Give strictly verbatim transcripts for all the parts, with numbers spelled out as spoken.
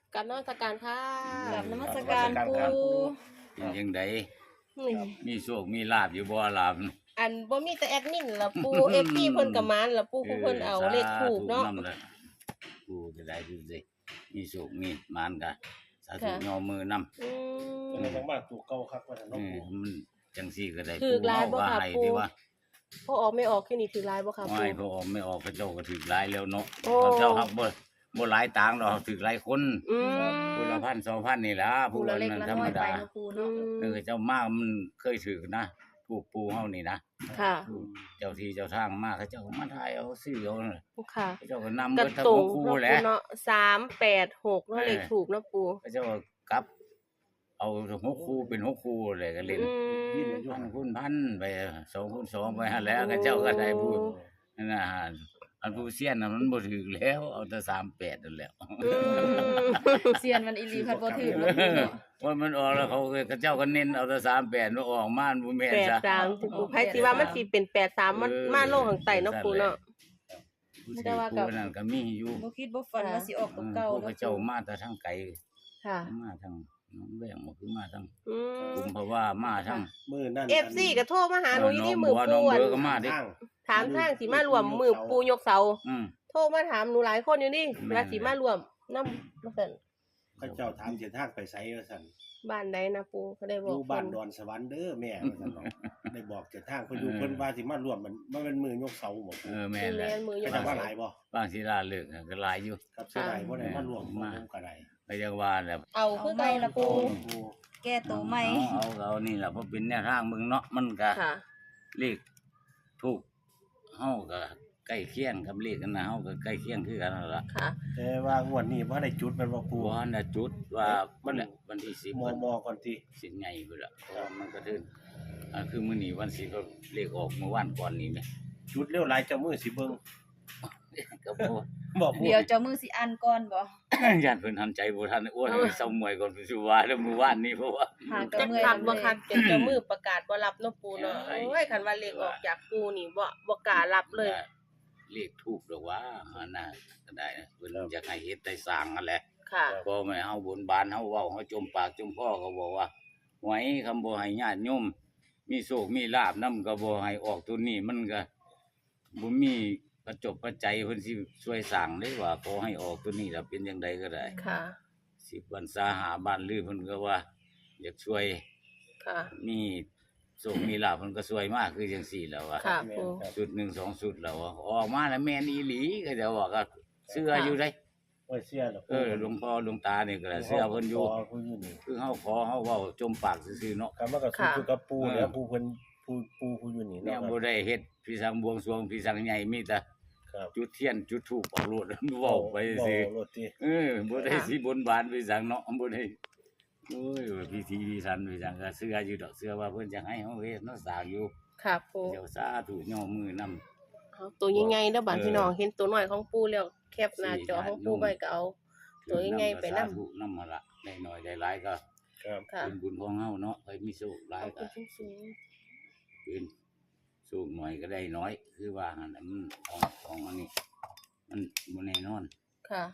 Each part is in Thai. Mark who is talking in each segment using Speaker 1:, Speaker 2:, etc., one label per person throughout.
Speaker 1: กราบนมัสการค่ะ
Speaker 2: กราบนมัสการปู่
Speaker 3: เป็นจังได
Speaker 1: นี่
Speaker 3: มีโชคมีลาภอยู่บ่ลาภ
Speaker 1: อันบ่มีแต่แอดมินล่ะปู่ เอฟ ซี เพิ่นก็มานล่ะปู่ผู้เพิ่นเอาเลขถูกเนาะ
Speaker 3: กูจะได้ดูสิมีโชคมีมานกะสาธุยอมือนำ
Speaker 1: อื
Speaker 4: เป็น
Speaker 1: ม
Speaker 4: จังบ้านตู่เก่าคักว่าซั่น
Speaker 3: เอ
Speaker 4: เนาะ
Speaker 3: อมันจังซี่ก็ได้
Speaker 1: ถูกหลายบ่
Speaker 3: ว่า
Speaker 1: ครับ
Speaker 3: ให้
Speaker 1: ปู่
Speaker 3: ที่ว่า
Speaker 1: พอออกไม่ออกคือนี่ถือลายบ่ค่ะ
Speaker 3: ไม่
Speaker 1: ปู่
Speaker 3: พอออกไม่ออกพระเจ้าก็ถึกหลายแล้วเนาะ
Speaker 1: โอ้
Speaker 3: พระเจ้าฮักบ่บ่หลายต่างดอกถึกหลายคน
Speaker 1: อืม
Speaker 3: ผู้ละพันสองพันนี่ล่ะ
Speaker 2: ปู่
Speaker 3: ผู้
Speaker 2: ละ
Speaker 3: ละ
Speaker 2: เล็ก
Speaker 3: นั้น
Speaker 2: ละ
Speaker 3: ธร
Speaker 2: น้
Speaker 3: ร
Speaker 2: อ
Speaker 3: ม
Speaker 2: ยไป
Speaker 3: ดา
Speaker 2: เนาะปู่
Speaker 1: อื
Speaker 2: เนาะ
Speaker 1: ม
Speaker 3: เออเจ้ามามันเคยถือนะถูกปูเฮานี่นะ
Speaker 1: ค่ะ
Speaker 3: เจ้าที่เจ้าทางมาเขาเจ้าก็มาถ่ายเอาซื้อเอาน่ะ
Speaker 1: ค่ะ
Speaker 3: เขาเจ้าก็นำ
Speaker 1: กระ
Speaker 3: เบิดทั้ง
Speaker 1: ตุ
Speaker 3: ห
Speaker 1: ง
Speaker 3: กคู่
Speaker 1: เนาะ
Speaker 3: แหละ
Speaker 1: ปู่เนาะสามแปดหกเนาะเลขถูกเนาะปู่
Speaker 3: เขาเจ้าก็กลับ เอาหกคู่เป็นหกคู่เลยก็เล่น
Speaker 1: อืม
Speaker 3: พันคูณพันไปสองคูณสองไปหั่นแหล้วเขาเจ้าก็ได้พูดนั่นน่ะอันผู้เสี้ยนน่ะมันบ่ถึกแล้ว เอาแต่สามแปดนั่นแหล้ว
Speaker 1: อืม
Speaker 2: เซียนมันอีหลีพัดบ่ถือเนาะปู่เนาะ
Speaker 3: ว่ามันออกแล้วเขาก็เขาเจ้าก็เน้นเอาแต่สามแปดมันออกมามันบ่แม่น
Speaker 1: แปด
Speaker 3: ซะ
Speaker 1: สามที่ปู่ไผสิว่ามันสิเป็นแปดสามมันมาลงข้างใต้เนาะปู่เนาะ
Speaker 3: ผู้
Speaker 1: แต่
Speaker 3: ที่
Speaker 1: ว่าก็
Speaker 3: ผู้นั้นก็มีอยู่
Speaker 2: บ่คิดบ่ฝันว่าสิออกตัวเก่า
Speaker 3: พวก
Speaker 2: เนาะ
Speaker 3: เขาเจ้ามาแต่ทางไกล
Speaker 1: ค่ะ
Speaker 3: มาทางน้องแวงบ่คือมาทาง
Speaker 1: อืม
Speaker 3: กุมภาวามาทาง
Speaker 4: มื้อนั้น
Speaker 1: เอฟซีก็โทรมาหาหนูอยู่ที่มือ
Speaker 3: น้อง
Speaker 1: ปู
Speaker 3: บัวน้อง
Speaker 1: อะ
Speaker 3: เบอร์ก็มาดิ
Speaker 4: ทาง
Speaker 1: ถามทางสิมารวมมือปูยกเสา
Speaker 3: อืม
Speaker 1: โทรมาถามหนูหลายคนอยู่นี่
Speaker 3: แม่น
Speaker 1: ว่าสิมารวมนำว่าซั่น
Speaker 4: เขาเจ้าถามเส้นทางไปไสว่าซั่น
Speaker 1: บ้านใดนะปูเขาได้บ
Speaker 4: อ
Speaker 1: อก
Speaker 4: ยู่บ้านดอนสวรรค์เด้อแม่ว่าซั่นเนาะได้บอกเส้นทางเพิ่นอยู่เพิ่นว่าสิมาร่วมมันมันเป็นมือยกเสาบ่
Speaker 3: เออแม่
Speaker 1: แม่
Speaker 3: นแหละ
Speaker 1: นมือย
Speaker 4: เขา
Speaker 1: ก
Speaker 4: จะ
Speaker 1: เสา
Speaker 4: ว่าหลายบ่
Speaker 3: บางศิลาเลิกก็หลายอยู่
Speaker 4: ครับเสียดายบ่ได้มาร่วม
Speaker 3: มา
Speaker 4: มาก็ได้
Speaker 3: ก็ยังว่าแหละ
Speaker 1: เอาคือเก่าละปู
Speaker 2: แก้ตัวใหม่
Speaker 3: เอาเอาเอานี่ล่ะเพราะเป็นแนวทางมึงเนาะมันก็
Speaker 1: ค่ะ
Speaker 3: เลขถูกเฮาก็ใกล้เคียงกับเลขกันนะเฮาก็ใกล้เคียงคือกันนั่นล่ะ
Speaker 1: ค่ะ
Speaker 4: แต่ว่างวดนี้บ่ได้จุดมันบ่ปู
Speaker 3: บ่ทันได้จุดว่า
Speaker 4: มั
Speaker 3: มัน นวันที่สิบ
Speaker 4: มอ
Speaker 3: วัน
Speaker 4: มอก่อนติ
Speaker 3: สิใหญ่พุ่นล่ะเพราะว่ามันก็ถึงอ่าคือมื้อนี้วันสิบก็เลขออกเมื่อวานก่อนนี่แหม
Speaker 4: จุดเร็วหลายเจ้ามือสิเบิ่ง
Speaker 3: ก็บ่
Speaker 4: บ่ปู
Speaker 2: เดี๋ยวเจ้ามือสิอันก่อนบ่
Speaker 3: ญาติเพิ่นทันใจบ่ทันอ้วนให้เซามวยก่อนสิว่าแล้วมื้อวานนี้เพราะว่า
Speaker 2: หางก็
Speaker 1: จัก
Speaker 2: เมื่อย
Speaker 1: คักบ่
Speaker 2: เลย
Speaker 1: คักเป็นเจ้ามือประกาศบ่รับเนาะปูเนาะ
Speaker 3: ใช่
Speaker 1: โอ้ยคันว่าเลขออกจากปูนี่บ่บ่กล้ารับเลย
Speaker 3: เลขถูกดอกว่าอันน่ะก็ได้นะเพิ่นอยากให้เฮ็ดได้สร้างนั่นแหละ
Speaker 1: ค่ะ
Speaker 3: บ่แม่เฮาบนบานเฮาเว้าเฮาจมปากจมคอก็บอกว่าหวยคำบ่ให้ญาติโยมมีโชคมีลาภนำก็บ่ให้ออกตัวนี้มันก็บ่มีประจบประใจยเพิ่นสิช่วยสร้างได้ว่าขอให้ออกตัวนี้ล่ะเป็นจังไดก็ได้
Speaker 1: ค่ะ
Speaker 3: สิบวันสาหาบ้านลือเพิ่นก็ว่าอยากช่วย
Speaker 1: ค่ะ
Speaker 3: มีโชคมีลาภเพิ่นก็ช่วยมากคือจังซี่แหล้วว่า
Speaker 1: ค่ะ
Speaker 4: แม่
Speaker 1: ปู
Speaker 4: นครับ
Speaker 3: ชุดหนึ่งสองชุดแล้วอะออกมาแล้วแม่นอีหลีก็จะว่าก็เสื้ออยู่ได้
Speaker 4: โอ้ยเสียแล้ว
Speaker 3: เออหลวงพ่อหลวงตานี่ก็เสื้อเพิ่นอยู่
Speaker 4: ขเพิ่นอยู่นี่
Speaker 3: คือเฮาขอเฮาเว้าจมปากซื่อๆเนาะ
Speaker 4: ครับมันก็คืออยู่กับปู
Speaker 3: เออ
Speaker 4: แล้วปูเพิ่นปูปูผู้อยู่นี่
Speaker 3: แนว
Speaker 4: เนาะ
Speaker 3: บ่ได้เฮ็ดพิสังบวงสรวงพิสังใหญ่มีแต่
Speaker 4: ครับ
Speaker 3: จุดเทียนจุดธูปเอาโลดเว้าไปซื่อ
Speaker 4: เว้ารถติ
Speaker 3: เออบ่ได้สิบนบานพิสังเนาะบ่ได้โอ้ยว่าพิธีพิธันพิสังก็เสื้ออยู่ดอกเสื้อว่าเพิ่นจะให้เฮาเฮ็ดเนาะสร้างอยู่
Speaker 1: ค่ะปู
Speaker 3: เดี๋ยวสาธุย่อมือนำ
Speaker 1: เอาตัวใหญ่ๆเด้อบัด
Speaker 3: เออ
Speaker 1: พี่น้องเห็นตัวน้อยของปูแล้วแคปหน้าจอของปู
Speaker 3: สี่
Speaker 1: ไว้ก็เอา ตัวใหญ่ๆไปนำ
Speaker 3: สาธุนำมาละได้น้อยได้หลายก็
Speaker 4: ครับ
Speaker 1: ค่ะ
Speaker 3: เป็นบุญของเฮาเนาะไปมีโชคหลาย
Speaker 1: เอา
Speaker 3: ก็
Speaker 1: ขึ้นสูง
Speaker 3: เป็นโชคหน่อยก็ได้น้อย คือว่าหั่นน่ะมันของของอันนี้ มันบ่แน่นอน
Speaker 1: ๆค่ะ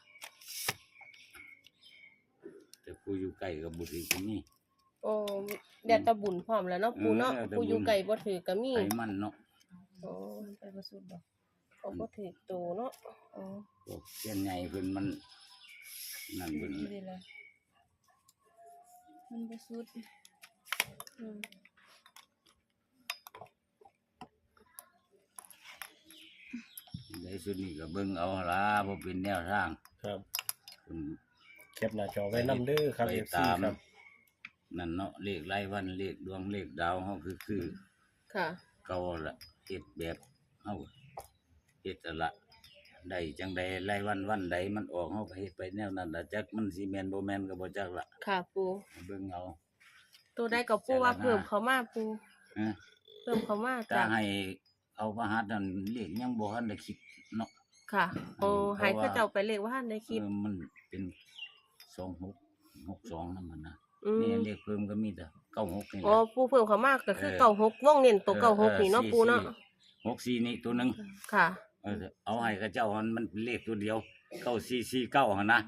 Speaker 3: แต่ผู้อยู่ใกล้ก็บ่ถือก็มี
Speaker 1: โอ้แดดตะบุญพร้อมแล้วเนาะปูเนาะ
Speaker 3: เออแดดตะบุญ
Speaker 1: ปูอยู่ไกลบ่ถือก็มี
Speaker 3: ไขมันเนาะ
Speaker 1: โอ้ไปบ่สุดดอกเขาบ่ถือโตเนาะอ๋อ
Speaker 3: พวกเส้นใหญ่เพิ่นมันนั่นเพิ่น
Speaker 2: นี่เลยล่ะมันบ่สุด
Speaker 1: อืม
Speaker 3: ได้สุดนี่ก็เบิ่งเอาล่ะบ่เป็นแนวทาง
Speaker 4: ครับ
Speaker 3: เพิ่น
Speaker 4: เก็บหน้าจอไว้นำเด้อครับ
Speaker 3: ไป
Speaker 4: เอฟซี
Speaker 3: ตาม
Speaker 4: ครับ
Speaker 3: นั่นเนาะเลขรายวันเลขดวงเลขดาวเฮาคือคือ
Speaker 1: ค่ะ
Speaker 3: เก่าละเฮ็ดแบบเฮาเฮ็ดนั่นละได้จังใดรายวันวันใดมันออกเฮาก็เฮ็ดไปแนวนั้นล่ะจักมันสิแม่นบ่แม่นก็บ่จักละ
Speaker 1: ค่ะปู
Speaker 3: เบิ่งเอา
Speaker 1: ตัวได้กับปูว่าเพิ่มเขามาปู
Speaker 3: ฮะ
Speaker 1: เพิ่มเขามา
Speaker 3: ถ้า
Speaker 1: จ้ะ
Speaker 3: ให้เอาพระหัตถ์นั่นเลขยังบ่ทันได้คิดเนาะ
Speaker 1: ค่ะ โอ้
Speaker 3: เพ
Speaker 1: ให้
Speaker 3: ราะว่า
Speaker 1: เขาเจ้าไปเลขว่าท่านได้คิด
Speaker 3: เออมันเป็นสองหก หกสองนั่นมันนะ
Speaker 1: อืม
Speaker 3: นี่เลขเพิ่มก็มีแต่เก้าหกนี่แห
Speaker 1: อ๋อ
Speaker 3: ละ
Speaker 1: ปูเพิ่มเขามากก็คือ
Speaker 3: เออ
Speaker 1: เก่าหกวงเน้นตัวเก่าหกนี่เนาะปูเนาะ
Speaker 3: หกสี่นี่ตัวหนึง
Speaker 1: ค่ะ
Speaker 3: เออเอาให้กับเจ้ามันมันเลขตัวเดียวเก้าสี่สี่เก้าหั่นนะ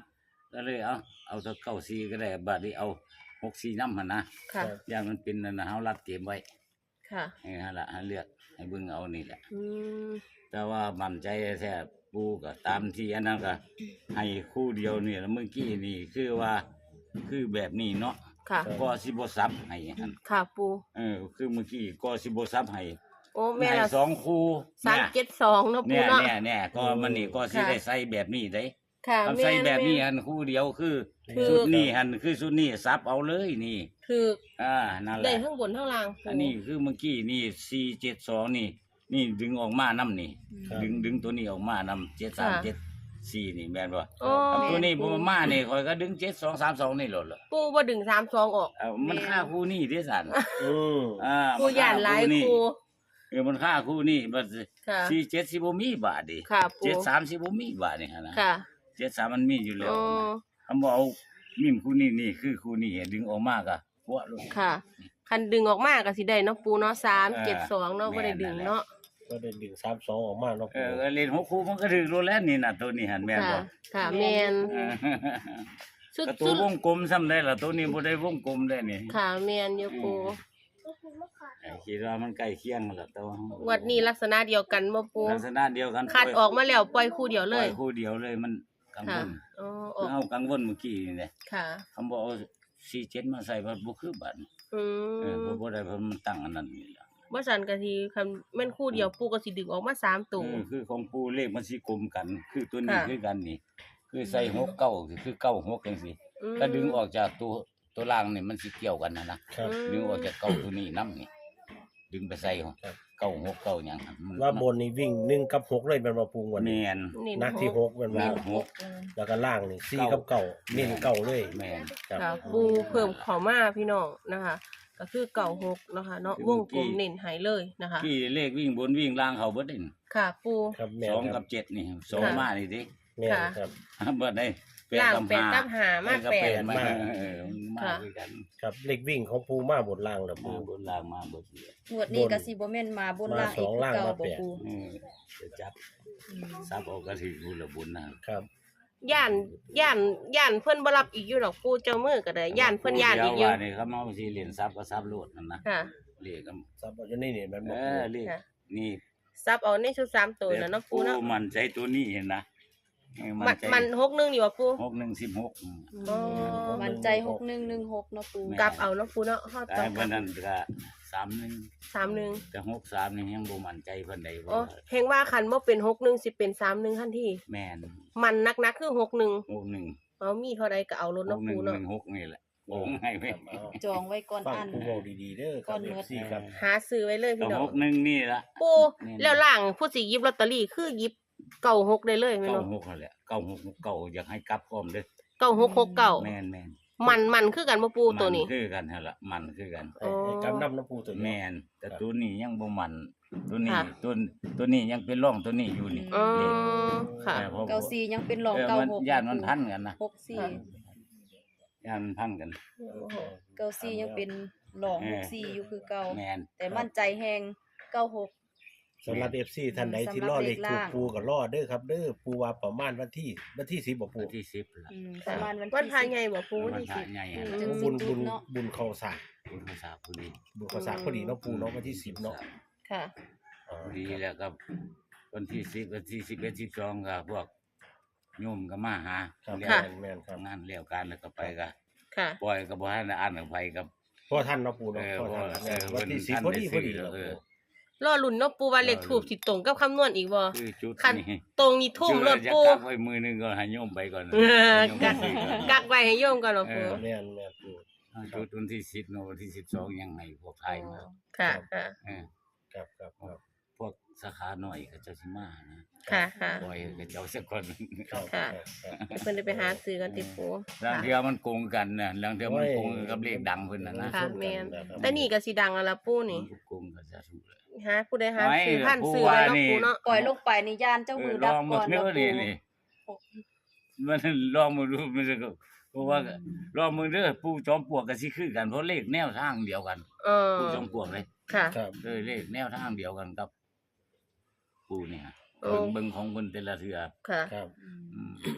Speaker 3: ก็เลยเอาเอาตัวเก้าสี่ก็ได้บัดนี้เอาหกสี่นำหั่นนะ
Speaker 1: ค่ะ
Speaker 3: อย่างมันเป็นนั่นน่ะเฮารัดเกมไว้
Speaker 1: ค่ะ
Speaker 3: ให้หั่นล่ะให้เลือกให้เบิ่งเอานี่แหละ
Speaker 1: อืม
Speaker 3: แต่ว่ามั่นใจแท้ปูก็ตามที่อันนั้นก็ให้คู่เดียวนี่แล้วเมื่อกี้นี่คือว่าคือแบบนี้เนาะ
Speaker 1: ค่ะ
Speaker 3: ก็สิบ่ซับให้หั่น
Speaker 1: ค่ะปู
Speaker 3: เออคือเมื่อกี้ก็สิบ่ซับให้
Speaker 1: โอ้แม่
Speaker 3: ให้
Speaker 1: ละ
Speaker 3: สองคู่
Speaker 1: สามเจ็ดสองเนาะปู
Speaker 3: เนี่ย
Speaker 1: เนาะ
Speaker 3: เนี่ยเนี่ยก็มันนี่ก็สิ
Speaker 1: ค่ะ
Speaker 3: ได้ใส่แบบนี้ได้
Speaker 1: ค่ะ
Speaker 3: ทำ
Speaker 1: แม่
Speaker 3: ใส่
Speaker 1: น
Speaker 3: แบบนี้
Speaker 1: แม่
Speaker 3: หันคู่เดียวคือ
Speaker 1: คือ
Speaker 3: ชุดนี้หันคือชุดนี้ซับเอาเลยนี่
Speaker 1: คือ
Speaker 3: อ่านั่นแห
Speaker 1: ได้
Speaker 3: ละ
Speaker 1: ทั้งบนทั้งล่างปู
Speaker 3: อันนี้คือเมื่อกี้นี่สี่เจ็ดสองนี่ นี่ดึงออกมานํนี่
Speaker 4: ครับ
Speaker 3: ดึงดึงตัวนี้ออกมานํเจ็ดสามเจ็ดสี่นี่แม่นบ่
Speaker 1: โอ้
Speaker 3: อันตัวนี้บ่มานี่ข่อยก็ดึงเจ็ดสองสามสองนี่โลดเหรอ
Speaker 1: ปูบ่ดึงสามสองออก
Speaker 3: เอ้ามันค่าคู่นี้เด้สัน
Speaker 4: อืม
Speaker 3: อ่า
Speaker 1: ปูย่านหลาย
Speaker 3: นี่
Speaker 1: ปู
Speaker 3: เออมันค่าคู่นี้บัด
Speaker 1: ค่ะ
Speaker 3: สี่เจ็ดสิบ่มีบาทดิ
Speaker 1: ค่ะปู
Speaker 3: เจ็ดสามสิบ่มีบาทนี่หั่นนะ
Speaker 1: ค่ะ
Speaker 3: เจ็ดสามมันมีอยู่แล้ว
Speaker 1: อ๋อ
Speaker 3: คำบอกเอามิมคู่นี้นี่คือคู่นี้ดึงออกมากอะหัวลง
Speaker 1: ค่ะ คันดึงออกมาก็สิได้เนาะปูเนาะสามเจ็ดสองเนาะ
Speaker 3: แม่
Speaker 1: บ่
Speaker 3: น
Speaker 1: ได้ดึงเนาะ
Speaker 4: ก็ได้ดึงสามสองออกมาเนาะ
Speaker 3: เออเล่นหกคู่มันก็ถึงรู้แล้วนี่น่ะตัวนี้หันแม่น
Speaker 1: ค่ะ
Speaker 3: บ่
Speaker 1: ค่ะแม่น
Speaker 3: เออ
Speaker 1: สุด
Speaker 3: ก็ตั
Speaker 1: สุ
Speaker 3: ว
Speaker 1: ด
Speaker 3: วงกลมซ้ำได้ล่ะตัวนี้บ่ได้วงกลมได้นี่
Speaker 1: ค่ะแม่นอยู่ปู
Speaker 3: เออคิดว่ามันใกล้เคียงแล้วแต่ว่า
Speaker 1: วัดนี้ลักษณะเดียวกันบ่ปู
Speaker 3: ลักษณะเดียวกัน
Speaker 1: คัดออกมาแล้วปล่อยคู่เดียว
Speaker 3: เล
Speaker 1: เลย ย
Speaker 3: คู่เดียวเลยมันกังว
Speaker 1: ค่ะ
Speaker 3: ล
Speaker 1: อ๋อออก
Speaker 3: เอากังวลเมื่อกี้นี่แหละ
Speaker 1: ค่ะ
Speaker 3: คำบอกเอาสี่เจ็ดมาใส่บ่บ่คือบัด
Speaker 1: อื
Speaker 3: เออ
Speaker 1: ม
Speaker 3: เพราะบ่ได้เพราะมันตั้งอันนั้นนี่ล่ะ
Speaker 1: บ่ซั่นก็สิคันแม่นคู่เดียวปูก็สิดึงออกมาสามตัว
Speaker 3: เออคือของปูเลขมันสิกลมกัน คือตัวนี้
Speaker 1: ค่ะ
Speaker 3: คือกันนี่ คือใส่หกเก้าคือเก้าหกจังซี่
Speaker 1: อืม
Speaker 3: ถ้าดึงออกจากตัวตัวล่างนี่มันสิเกี่ยวกันนะนะครับ ดึงออกจากเก้าตัวนี้นํนี่ ดึงไปใส่ของ
Speaker 4: ครับ
Speaker 3: เก้าหกเก้าหยังครับมัน
Speaker 4: ว่าบนนี่วิ่งหนึ่งกับหกเลยเป็นว่าปูงวัน
Speaker 3: แม
Speaker 4: นี้
Speaker 3: น
Speaker 1: นี่
Speaker 4: นักที่หกเป็นว่า
Speaker 3: นัก
Speaker 2: หกเลย
Speaker 4: แล้วก็ล่างนี่สี่กับเก่าเน้นเก่าเลย
Speaker 3: แมน
Speaker 4: ครับ
Speaker 1: ค่ะปูเพิ่มเข้ามาพี่น้องนะคะ ก็คือเก่าหกนะคะเนาะวงกลมเน้นให้เลยนะคะ
Speaker 3: ที่เลขวิ่งบนวิ่งล่างเขาเบิดนี่
Speaker 1: ค่ะปู
Speaker 4: ครับแม่
Speaker 3: สอง
Speaker 4: ค
Speaker 3: กั
Speaker 4: รั
Speaker 3: บบ เจ็ดนี่สอง
Speaker 1: ค่ะ
Speaker 3: มานี่ดิ
Speaker 4: แม่
Speaker 1: ค่ะ
Speaker 4: ครับ
Speaker 3: เบิดได้
Speaker 1: ล่าง
Speaker 3: กับ
Speaker 1: แปดกับหามา
Speaker 3: กับ
Speaker 1: แปด
Speaker 3: มา
Speaker 4: มา
Speaker 3: เออมา
Speaker 1: ค่ะ
Speaker 3: ด้วยกัน
Speaker 4: ครับเลขวิ่งของปูมาบนล่างแล้ว
Speaker 3: มา
Speaker 4: ปู
Speaker 3: บนล่างมาเบิดเลย
Speaker 2: งวดนี้ก็สิบ่แม่นมาบนล่างอีกคือเก่าบ่ปู
Speaker 3: เออจะจับซับเออกก็ถือบุญละบุญนะครับ
Speaker 1: ย่านย่านย่านเพิ่นบ่รับอีกอยู่ดอกปูเจ้ามือก็ได้ย่านเพิ่นย่านอีกอ
Speaker 3: เดี๋
Speaker 1: ยู่
Speaker 3: วว่านี่เขามาสิเหรียญซับก็ซับโลดนั่นนะ
Speaker 1: ค่ะ
Speaker 3: เลขก็
Speaker 4: ซับเอาอยู่นี่นี่แมัน
Speaker 3: เอ
Speaker 4: บ่
Speaker 3: อเลข
Speaker 1: ค่ะ
Speaker 3: นี่
Speaker 1: ซับเอาในชุดสามตัวน่ะเนาะปูเนาะ
Speaker 3: โอ้มันใจตัวนี้เห็นนะเออ
Speaker 1: มัน
Speaker 3: ใจ
Speaker 1: มันหกหนึงนี่ว่าปู
Speaker 3: หกหนึ่งสิบหกอืม
Speaker 1: อ๋อ
Speaker 2: มันใจหกหนึ่งหนึ่งหกเนาะปู
Speaker 3: แม่
Speaker 1: กลับเอาเนาะปูเนาะเฮา
Speaker 3: แต่
Speaker 1: ต้องก
Speaker 3: วั
Speaker 1: ลั
Speaker 3: น
Speaker 1: บ
Speaker 3: นั้นก็สามหนึ่ง
Speaker 1: สามหนึ่ง
Speaker 3: แต่หกสามนี่ยังบ่มั่นใจเพิ่นใด
Speaker 1: อ๋อ
Speaker 3: ว่า
Speaker 1: เฮงว่าคันบ่เป็นหกหนึ่งสิเป็นสามหนึ่งทันที
Speaker 3: แม่น
Speaker 1: มันนักๆคือหกหนึ่ง
Speaker 3: หกหนึ่ง
Speaker 1: เอามีเท่าใดก็เอารถ
Speaker 3: ห
Speaker 1: เนาะ
Speaker 3: กห
Speaker 1: ปู
Speaker 3: นึ่งห
Speaker 1: เนาะ
Speaker 3: นึ่งหกนี่แหละโอ้งให้ไว้
Speaker 4: ครับเอา
Speaker 2: จองไว้ก่อน
Speaker 4: ฟัง
Speaker 2: อัน
Speaker 4: ปูเว้าดีๆเด้อค
Speaker 2: ก่
Speaker 4: รั
Speaker 2: อบ น
Speaker 4: เอ
Speaker 2: เมื่อ
Speaker 4: ฟซีครับ
Speaker 1: หาซื้อไว้เลย
Speaker 3: ก็
Speaker 1: พี่น้อ
Speaker 3: ห
Speaker 1: ง
Speaker 3: กหนึ่งนี่ละ
Speaker 1: ปูแล้วล่างผู้สิหยิบลอตเตอรี่คือหยิบเก้าหกได้เลยแม่น
Speaker 3: เก้า
Speaker 1: บ่
Speaker 3: หกนั่นแหละเก้าหกเก้าอยากให้กลับพร้อมเด้อ
Speaker 1: เก้าหกหกเก้า
Speaker 3: แม่นแม่น
Speaker 1: มันมันคือกันบ่ปูตัวนี้
Speaker 3: มัคือกันหั่นล่ะมันคือกัน
Speaker 4: ให้ให้กำน้ำน้ำปูตัวนี้
Speaker 3: แม่นแต่ตัวนี้ยังบ่มันตัวนี้
Speaker 1: ค่ะ
Speaker 3: ตัวตัวนี้ยังเป็นร่องตัวนี้อยู่นี่
Speaker 1: อ๋อ
Speaker 3: นี่
Speaker 1: ค่ะ
Speaker 3: แต่พอ
Speaker 2: เก้าสี่ยังเป็นรอง
Speaker 3: เออ
Speaker 2: เก้า
Speaker 3: มัน
Speaker 2: หก
Speaker 3: ย่านมันพันกันนะ
Speaker 2: หกสี่
Speaker 3: ย่านมันพันกัน
Speaker 2: เก้าสี่ยังเป็นรองหกสี่อยู่คือเก่า
Speaker 3: แม่น
Speaker 2: แต่มั่นใจแฮงเก้าหก
Speaker 4: สำหรับ เอฟ ซี ท่านใดที่รอเลขถูกปูก็รอเด้อครับเด้อปูว่าประมาณวันที่วันที่สิบบ่ปู
Speaker 3: วันที่สิบละ
Speaker 2: อืมประมาณวัน
Speaker 1: วัน
Speaker 2: ที่
Speaker 1: พา
Speaker 2: สิบ
Speaker 1: ใหญ่บ่ปู
Speaker 3: วั
Speaker 1: วัน นที่
Speaker 3: พระ
Speaker 1: สิบ
Speaker 3: ใหญ่
Speaker 1: อื
Speaker 3: หั่น
Speaker 1: ม
Speaker 3: ล่ะ
Speaker 2: จึง
Speaker 4: บุญบุญ
Speaker 2: เนาะ
Speaker 4: บุญเข้าสาก
Speaker 3: คุณภาษาผู้ดี
Speaker 4: บุญเข้าสากพอดีเนาะปูเนาะวันที่สิบเนาะ
Speaker 1: ค่ะ
Speaker 4: อ๋อ
Speaker 3: ผู้ดีแล้วก็วันที่สิบวันที่สิบเอ็ดสิบสองก็พวกโยมก็มาหา
Speaker 4: ครับ
Speaker 3: เลี้ย
Speaker 4: แม่
Speaker 3: วน
Speaker 4: แม่นครับ
Speaker 3: งานเลี้ยวการแล้วก็ไปก็
Speaker 1: ค่ะ
Speaker 3: ปล่อยก็บ่ให้อ่านอภัยกับ
Speaker 4: พ่อท่านเนาะปูเนาะ
Speaker 3: เออ
Speaker 4: พ่อท่าน
Speaker 3: พ่อ
Speaker 4: แม่น
Speaker 3: เออ
Speaker 4: วันที่
Speaker 3: เพิ่น
Speaker 4: สิบ
Speaker 3: ท่าน
Speaker 4: พอดี
Speaker 3: ได้
Speaker 4: พอดี
Speaker 3: ซื้อ
Speaker 4: เนาะ
Speaker 3: เออ
Speaker 1: รอลุ้นเนาะปูว่าเลขทูบสิตรงกับคำนวณอีกบ่
Speaker 3: คือจุด
Speaker 1: คัน
Speaker 3: นี้
Speaker 1: ตรงนี่ทุ่มรถ
Speaker 3: จะ
Speaker 1: ปู
Speaker 3: กักไว้มือหนึงก็ให้โยมไปก่อน
Speaker 1: เออ
Speaker 3: ให้โยม
Speaker 1: กัก
Speaker 3: ไปก่อน
Speaker 1: กักไว้ให้โยมก่อนเนาะปู
Speaker 3: เออ
Speaker 4: แม่นแม่นปู
Speaker 3: จุดวันที่สิบเนาะวันที่สิบสองยังให้พวกไทยมา
Speaker 1: ค่ะค่ะ
Speaker 3: เออ
Speaker 4: ครับครับครับ
Speaker 3: พวกสาขาหน่อยก็เจะสิมานะ
Speaker 1: ค่ะค่ะ
Speaker 3: ปล่อยก็เจ้าสักคน
Speaker 4: ครับ
Speaker 1: ค่ะ
Speaker 4: ครับ
Speaker 1: ให้เพิ่นได้ไปหาซื้อกันติปู
Speaker 3: บางเทีมันโกงกันนะบางเทีมันโกงกับเลขดังเพิ่นน่ะนะ
Speaker 1: ค่ะแม่นแต่นี่ก็สิดังแล้วล่ะปูนี่
Speaker 3: โกงก็จะถูกเลย
Speaker 1: หาผู้ใดหาซื้อ
Speaker 3: ไม่
Speaker 1: ท่าน
Speaker 3: ผู้
Speaker 1: ซื้อไว้
Speaker 3: ว่า
Speaker 1: เนาะ
Speaker 3: นี่
Speaker 1: ปูเนาะ
Speaker 2: ปล่อยลงไปในย่านเจ้า
Speaker 3: เอ
Speaker 2: มื
Speaker 3: อ
Speaker 2: อ
Speaker 3: ล
Speaker 2: ดับ
Speaker 3: องหม
Speaker 2: ก่อ
Speaker 3: ด
Speaker 2: น
Speaker 3: เนื้อ
Speaker 2: เนาะ
Speaker 3: นี่
Speaker 2: ปู
Speaker 3: นี่มันลองมาดูมันก็เพราะว่าลองมือเด้อปู่จอมปลวกก็สิคือกันเพราะเลขแนวทางเดียวกัน
Speaker 1: เออ
Speaker 3: ปู่จอมปลวกเลย
Speaker 1: ค่ะ
Speaker 4: ครับ
Speaker 3: เลยเลขแนวทางเดียวกันกับปู่เนี่ย
Speaker 1: โอ้
Speaker 3: เบิ่งเบิ่งของเพิ่นแต่ละเทื่อ
Speaker 1: ค่ะ
Speaker 4: ครับ
Speaker 3: อืม
Speaker 1: เพ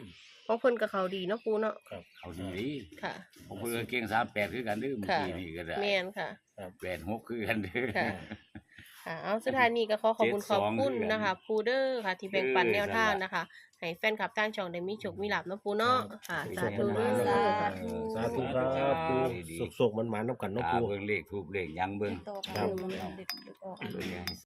Speaker 1: ของเพิ่นก็เขาดีเนาะปูเนาะ
Speaker 4: ครับ
Speaker 3: เอาดี
Speaker 1: ค่ะ
Speaker 3: ผมเพิ่นเก่งสามแปดคือกันเด้อเมื่อ
Speaker 1: ค่ะ
Speaker 3: กี้นี่ก็ได้
Speaker 1: แม่นค่ะ
Speaker 3: แปดหกคือกันเด้อ
Speaker 1: ค่ะ ค่ะเอาสุดท้ายนี้ก็ขอขอบคุณ
Speaker 3: เจ็ด
Speaker 1: ข
Speaker 3: ส
Speaker 1: อ
Speaker 3: อบ ง
Speaker 1: คุณ
Speaker 3: คือกัน
Speaker 1: นะคะปูเดอร์ค่ะ ที่แบ่งปัน
Speaker 3: เออ
Speaker 1: แนวทาง
Speaker 3: นั่นล่ะ
Speaker 1: นะคะ ให้แฟนคลับทางช่องได้มีโชคมีลาภเนาะปูเนาะค่ะ สาธุ
Speaker 4: สุข
Speaker 1: เด้
Speaker 4: มัน
Speaker 1: อ
Speaker 4: ๆ
Speaker 1: ค่ะ
Speaker 4: เออสาธุครับปู
Speaker 3: ดีๆ
Speaker 4: สุขๆมันๆนำกันเนาะ
Speaker 3: ตา
Speaker 4: ปู
Speaker 3: เบิ่งเลขทูบเลขหยังเบิ่ง
Speaker 2: ต่อกัน
Speaker 4: ครับ
Speaker 2: เด็ดๆออกอัน
Speaker 3: เบิ่งให้